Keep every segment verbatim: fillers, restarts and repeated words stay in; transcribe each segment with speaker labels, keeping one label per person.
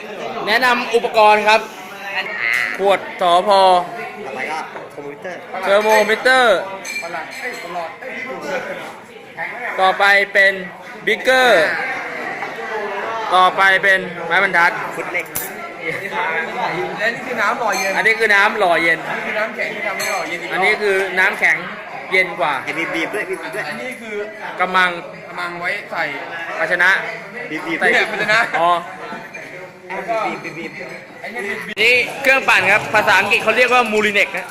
Speaker 1: แนะนำอุปกรณ์ครับ ขวดสอพอ
Speaker 2: ต่อไปก็คอมพิวเตอร์
Speaker 1: เทอร์โมมิเตอร์ ต่อไปเป็นบิ๊กเกอร์ ต่อไปเป็นไม้บรรทัด
Speaker 2: ฟุตเล็ก
Speaker 3: และนี่คือน้ำหล่อเย็น
Speaker 1: อันนี้คือน้ำหล่อเย็น
Speaker 3: นี่คือน้ำแข็งที่ทำให้หล่อเย็นอีกรบ
Speaker 1: อันนี้คือน้ำแข็งเย็นกว่า
Speaker 2: ไอ้บีบบีบด้วยบีบบีบด้วย
Speaker 3: อันนี้คือก
Speaker 1: ำมัง
Speaker 3: กำลังไว้ใส่
Speaker 1: ภาชนะ
Speaker 2: บีบบีบ
Speaker 1: ใส่
Speaker 3: เนี่ยภาชนะ
Speaker 1: อ๋อ
Speaker 2: บีบบีบบีบ
Speaker 3: ไอ้นี่คือ
Speaker 1: นี่เครื่องปั่นครับ ภาษาอังกฤษเขาเรียกว่ามูลิเน็กนะ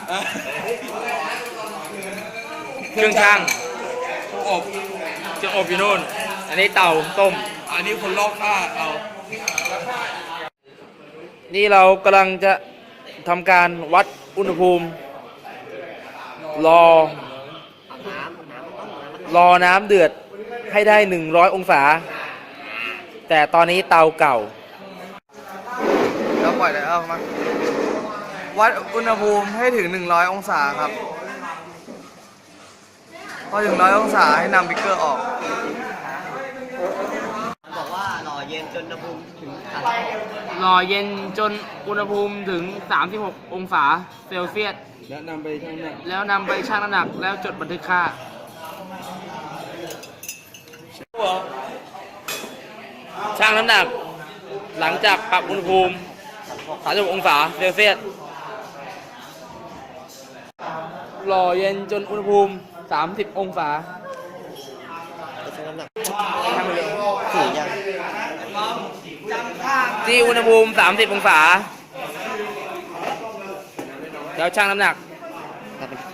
Speaker 1: เครื่องช่าง
Speaker 3: อบ
Speaker 1: จะอบอยู่นู่น อันนี้เตาต้ม
Speaker 3: อันนี้คนลอกค่าเอา
Speaker 1: นี่เรากำลังจะทำการวัดอุณหภูมิ รอ รอน้ำเดือดให้ได้หนึ่งร้อยองศา แต่ตอนนี้เตาเก่า
Speaker 3: แล้วปล่อยเลยเอามาวัดอุณหภูมิให้ถึงหนึ่งร้อยองศาครับพอถึงร้อยองศาให้นำบิ๊กเกอร์ออก
Speaker 2: บอกว่าหล่อเย็นจนอุณหภูมิถึงสาม
Speaker 1: รอเย็นจนอุณหภูมิถึง สามสิบหก องศาเซลเซียส
Speaker 3: แล้วนำไปชั่งน้ำหนัก
Speaker 1: แล้วนำไปชั่งน้ำหนักแล้วจดบันทึกค่า ชั่งน้ำหนัก หลังจากปรับอุณหภูมิ สามสิบหก องศาเซลเซียสหล่อเย็นจนอุณหภูมิ สามสิบ องศา
Speaker 2: ใช้น้ำหนักถึงยัง
Speaker 1: ที่อุณหภูมิ สามสิบ องศา แล้วชั่งน้ำหนัก
Speaker 2: ถ้าเป็น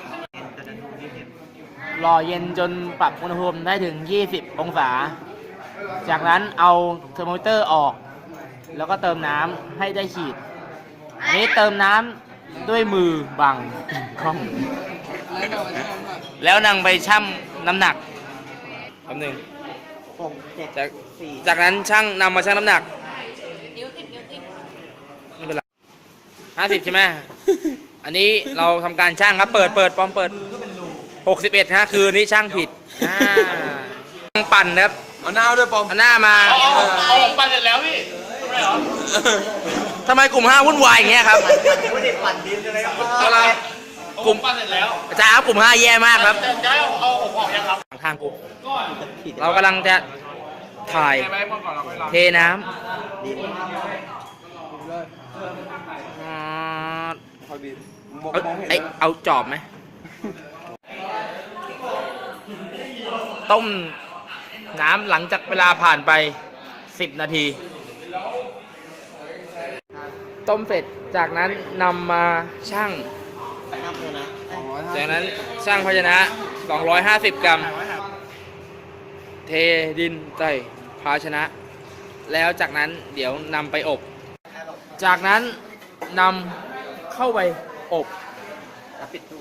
Speaker 1: รอเย็นจนปรับอุณหภูมิได้ถึง ยี่สิบ องศา จากนั้นเอาเทอร์โมมิเตอร์ออก แล้วก็เติมน้ำให้ได้ขีด อันนี้เติมน้ำด้วยมือบังกล้อง แล้วนำไปชั่งน้ำหนักคำหนึ่ง
Speaker 2: หกเจ็ด
Speaker 1: จาก
Speaker 2: สี่
Speaker 1: จากนั้นช่างนำมาชั่งน้ำหนักไม่เป็นไรห้าสิบใช่ไหม อันนี้เราทำการช่างครับ เปิดเปิดปอมเปิดหกสิบเอ็ดฮะคือนี้ช่างผิดอ่าช่างปั่นครับ
Speaker 3: เอาหน้าด้วยปอม
Speaker 1: เอาหน้ามา
Speaker 4: เอาผมปั่นเสร็จแล้วพี่ทำไมเหรอ
Speaker 1: ทำไมกลุ่มห้าวุ่นวายอย่างเงี้ยครับ
Speaker 2: ไม่ได้ปั่นดินอะไรครับ
Speaker 1: อะไร
Speaker 4: กลุ่มปั่นเสร็จแล้ว
Speaker 1: อาจารย์ครับกลุ่มห้าแย่มากครับ
Speaker 4: จะจะให้เอาเอาผมออกยังครับ
Speaker 1: ทางกูเรากำลังจะถ่าย
Speaker 3: ไปหมดก่อนเราไปรอ
Speaker 1: เทน้
Speaker 2: ดิน
Speaker 1: ำอ่า
Speaker 3: คอยบีบมอง
Speaker 1: เอา
Speaker 3: มองเห็น
Speaker 1: ไอยเอาจอบไหม ต้มน้ำหลังจากเวลาผ่านไปสิบนาที ต้มเสร็จจากนั้นนำมาชั่ง
Speaker 2: น้ำเลยนะ
Speaker 1: จากนั้นชั่งภาชนะ สองร้อยห้าสิบ กรัม เทดินใส่ภาชนะ แล้วจากนั้นเดี๋ยวนำไปอบ จากนั้นนำเข้าไปอบ
Speaker 2: ปิดตู้